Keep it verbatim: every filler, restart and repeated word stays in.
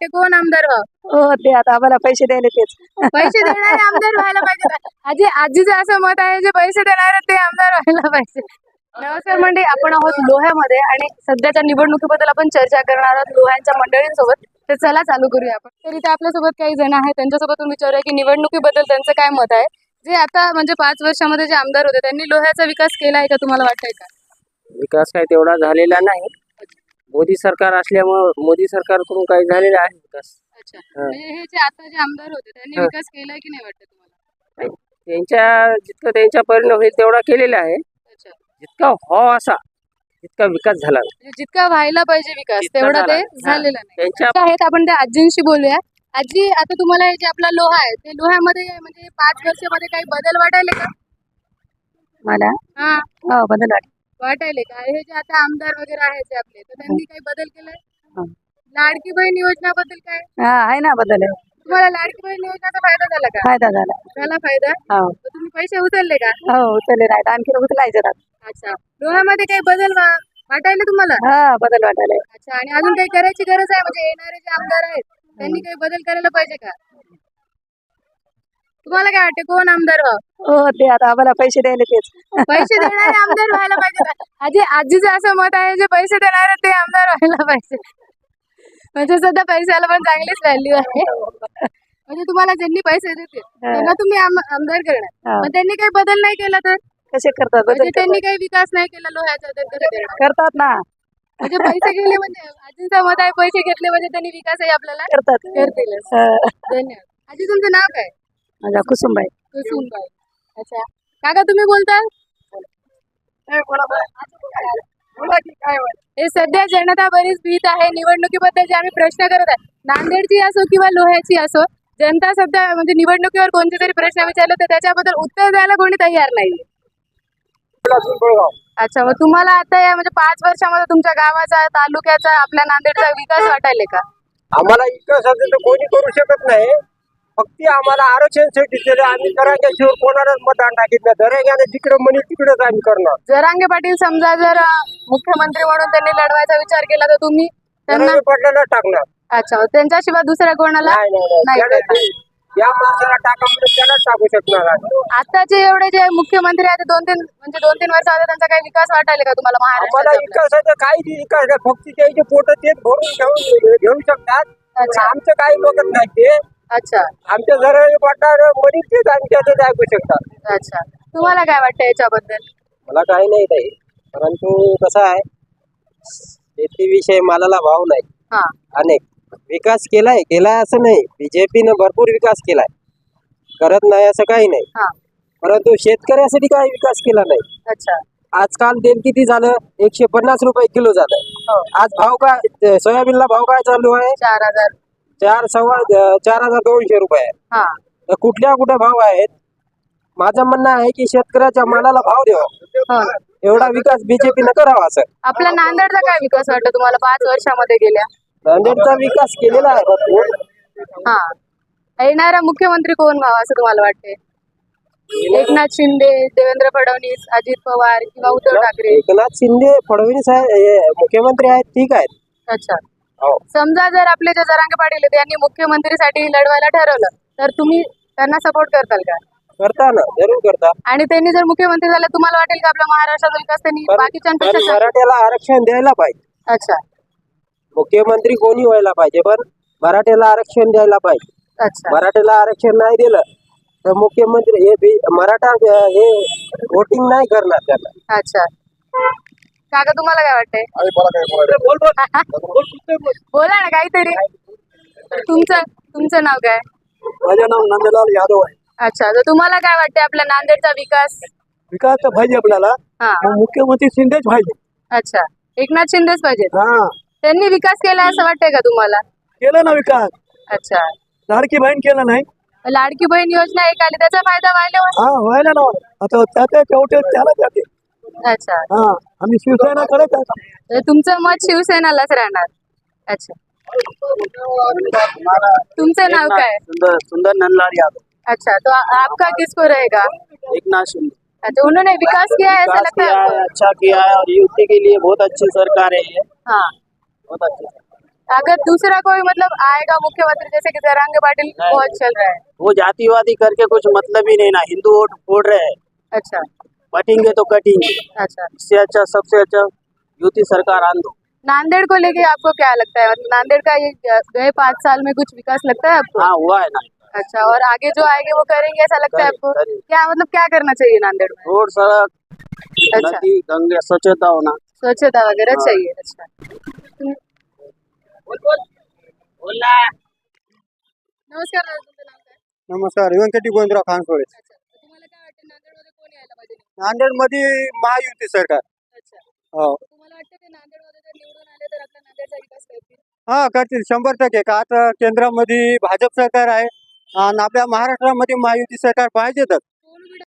वाटते कोण आमदार व्हावं? हो ते आता आम्हाला पैसे द्यायला तेच पैसे देणारे आमदार व्हायला पाहिजे का? आजी आजीचं असं मत आहे जे पैसे देणारे ते आमदार व्हायला पाहिजे. नमस्कार मंडळी, आपण आहोत लोह्यामध्ये आणि सध्याच्या निवडणुकीबद्दल आपण चर्चा करणार आहोत लोह्यांच्या मंडळींसोबत. तर चला चालू करूया आपण. तर इथे आपल्यासोबत काही जण आहेत, त्यांच्यासोबत विचारूया की निवडणुकीबद्दल त्यांचं काय मत आहे. जे आता म्हणजे पाच वर्षामध्ये जे आमदार होते त्यांनी लोह्याचा विकास केला आहे का, तुम्हाला वाटतंय का? विकास काय तेवढा झालेला नाही. मोदी सरकार असल्यामुळे मोदी सरकारकडून काही झालेला आहे विकास. अच्छा, हा. म्हणजे हे जे आता जे आमदार होते त्यांनी हा. विकास केलाय की नाही वाटतं तुम्हाला? त्यांच्या जितकं त्यांच्या परिणाम होईल तेवढा केलेला आहे. अच्छा, जितका हो असा तितका विकास झाला नाही. म्हणजे जितका व्हायला पाहिजे विकास जितका तेवढा झाला ते नाही. हा. झालेला नाही. त्यांच्या- अच्छा, आहेत आपण त्या आजींशी बोलूया. आजी, आता तुम्हाला हे जे आपला लोहा आहे ते लोह्यामध्ये म्हणजे पाच वर्षामध्ये काही बदल वाटायले का? मला हा, हो बदल वाट वाटायले का? हे जे आता आमदार वगैरे आहेत जे आपले, तर त्यांनी काही बदल केलाय? हा. लाडकी बहीण योजनाबद्दल काय? हा आहे ना बदल आहे. तुम्हाला लाडकी बहीण योजनाचा फायदा झाला का? फायदा झाला. झाला फायदा? हो तर तुम्ही पैसे उचलले का? हो उचलले नाही आणखी उचलायचे ना. अच्छा, लोह्यामध्ये काही बदल वा- वाटायले तुम्हाला? हा बदल वाटायला. अच्छा, आणि अजून काही करायची गरज आहे? म्हणजे येणारे जे आमदार आहेत त्यांनी काही बदल करायला पाहिजे का? तुम्हाला काय वाटते कोण आमदार व्हावं? हो ते आता आम्हाला पैसे द्यायला तेच पैसे देणारे आमदार व्हायला पाहिजे का? आजी आजीचं असं मत आहे जे पैसे देणारे ते आमदार व्हायला पाहिजे. म्हणजे सध्या पैशाला पण चांगलीच व्हॅल्यू आहे. म्हणजे तुम्हाला ज्यांनी पैसे देतील त्यांना तुम्ही आम- आमदार करणार, हा. पण त्यांनी काही बदल नाही केला तर? कसे करतात म्हणजे बदल त्यांनी काही विकास नाही केला लोह्याचा तर कसं करणार? करतात ना म्हणजे पैसे गेले म्हणजे आजींचा मत आहे पैसे घेतले म्हणजे त्यांनी विकासही आपल्याला करतात. करतीलच. हा. धन्यवाद. आजी, तुमचं नाव काय? माझा कुसुमबाई. कुसुमबाई. अच्छा, काका तुम्ही बोलता? हे सध्या जनता बरीच भीत आहे निवडणुकीबद्दल जे आम्ही प्रश्न करत आहे, नांदेडची असो किंवा लोह्याची असो, जनता सध्या म्हणजे निवडणुकीवर कोणते तरी प्रश्न विचारले तर त्याच्याबद्दल उत्तर द्यायला कोणी तयार नाही. अच्छा, मग तुम्हाला आता या म्हणजे पाच वर्षामध्ये तुमच्या गावाचा, तालुक्याचा, आपल्या नांदेडचा विकास वाटायले का? आम्हाला विकासाचं तर कोणी करू शकत नाही. फक्त आम्हाला आरक्षणसाठी दिलं. आम्ही दरांग्याशिवाय कोणालाच मतदान टाकीत नाही. दरांग्याने जिकडे म्हणे तिकडेच आम्ही करणार. जरांगे पाटील समजा जर अं, मुख्यमंत्री म्हणून त्यांनी लढवायचा विचार केला तर तुम्ही त्यांना दरांगे पाटलाला टाकणार अच्छा, त्यांच्याशिवाय दुसऱ्या कोणाला नाही नाही, नाही. नाही त्याला करणार. ते- या माणसाला टाका म्हणजे त्यालाच टाकू शकणार आम्ही. आताचे एवढे जे मुख्यमंत्री आहेत ते दोन तीन म्हणजे दोन तीन वर्ष आधी त्यांचा काही विकास वाटायले का तुम्हाला आम्हाला महाराष्ट्रात? विकासाचं काही विकास नाही. फक्त त्याचे पोट तेच भरून घेऊन घेऊ शकतात. पण अच्छा. आमचं काही बघत नाही ते. अच्छा आमच्या दरांगे पाटला म्हणून तेच आम्ही त्याचं ऐकू शकतात. अच्छा, तुम्हाला काय वाटतं याच्याबद्दल? मला काही नाही ताई, परंतु कसं आहे शेतीविषयी मालाला भाव नाही. हा, अनेक विकास केलाय केलाय असं नाही. बीजेपीनं भरपूर विकास केलाय, करत नाही असं काही नाही. हा, परंतु शेतकऱ्यासाठी काही विकास केला नाही. अच्छा, आजकाल तेल किती झालं? एकशे पन्नास रुपये किलो झालं. हो, आज भाव काय सोयाबीनला भाव काय चालू आहे? चार हजार. चार सव्वा चार हजार दोनशे रुपये आहे. हा, तर कुठल्या कुठे भाव आहेत? माझं म्हणणं आहे की शेतकऱ्याच्या मालाला भाव द्यावा. हो. एवढा विकास बीजेपीनं करावा. असं आपल्या नांदेडचा काय विकास वाटतं तुम्हाला पाच वर्षामध्ये गेल्या? नांदेडचा विकास केलेला आहे भरपूर. हा, येणारा मुख्यमंत्री कोण व्हावा असं तुम्हाला वाटते? एकनाथ शिंदे, देवेंद्र फडणवीस, अजित पवार किंवा उद्धव ठाकरे? एकनाथ शिंदे फडणवीस आहे हे मुख्यमंत्री आहेत, ठीक आहेत. अच्छा, हो. समजा जर आपले जे जरांगे पाटील आहेत यांनी मुख्यमंत्रीसाठी लढवायला ठरवलं तर तुम्ही त्यांना सपोर्ट करताल का? करता ना, जरूर करता. आणि त्यांनी जर मुख्यमंत्री झाले तुम्हाला वाटेल का आपल्या महाराष्ट्राचा विकास त्यांनी पण- पण बाकीच्यांपेक्षा जास्त- मराठ्याला आरक्षण द्यायला पाहिजे. अच्छा, मुख्यमंत्री कोणी व्हायला पाहिजे, पण मराठ्याला आरक्षण द्यायला पाहिजे. अच्छा, मराठ्याला आरक्षण नाही दिलं तर मुख्यमंत्री हे बी- मराठा अं, हे वोटिंग नाही करणार त्याला. अच्छा. काका तुम्हाला काय वाटतंय? बोला ना काहीतरी. तुमचं तुमचं नाव काय? माझं नाव नंदलाल यादव आहे. अच्छा, तर तुम्हाला काय वाटतंय आपल्या नांदेडचा विकास? विकास तर पाहिजे आपल्याला. हा, मग मुख्यमंत्री शिंदेच पाहिजे. अच्छा, एकनाथ शिंदेच पाहिजेत. हा, त्यांनी विकास केला असं वाटतंय का तुम्हाला? केलं ना विकास. अच्छा, लाडकी बहीण केलं नाही. लाडकी बहीण योजना एक आली त्याचा फायदा व्हायला? हा व्हायला ना. आता त्याच्या शेवटी त्याला जाते. अच्छा, हा, आम्ही शिवसेना करत आहे. तर तुमचं मत शिवसेनालाच राहणार. अच्छा, तुमचं नाव काय? सुंदर सुंदर नंदलाल यादव. अच्छा, तो आ- आपका किसको रहेगा? एकनाथ शिंदे अच्छा, उन्होंने विकास किया है ऐसा विकास लगता है किया है, आपको? अच्छा किया है और युवती के लिए बहुत अच्छी सरकार है ये, हाँ, बहुत अच्छी. अगर दूसरा कोई मतलब आएगा मुख्यमंत्री जैसे कि जरांगे पाटिल बहुत चल रहा है। वो जातिवादी करके कुछ मतलब ही नहीं ना, हिंदू वोट फोड़ रहे हैं, अच्छा बटेंगे तो कटेंगे। अच्छा। इससे अच्छा सबसे अच्छा युति सरकार आन दो। नांदेड़ को लेके आपको क्या लगता है, मतलब नांदेड़ का ये गए पाँच साल में कुछ विकास लगता है आपको? हाँ हुआ है ना। अच्छा, और आगे जो आएंगे वो करेंगे ऐसा लगता है करें- आपको? करें। क्या मतलब क्या करना चाहिए नांदेड़ में? रोड, सड़क, अच्छा, नदी, गंगे स्वच्छता होना। स्वच्छता वगैरह हाँ। चाहिए। अच्छा, नमस्कार दादा, तुमचं नाव काय? नमस्कार, व्यंकटी गोविंदराव खानसोळे. अच्छा, तर तुम्हाला काय वाटतं नांदेडमध्ये कोण यायला पाहिजे? नांदेड मध्ये महायुती सरकार. अच्छा, हो, तर तुम्हाला वाटतं ते नांदेडमध्ये जर निवडून आले तर आपला नांदेडचा विकास करतील? हा करतील शंभर टक्के. का आता केंद्रामध्ये भाजप सरकार आहे आणि आपल्या महाराष्ट्रामध्ये महायुती सरकार पाहिजेतच.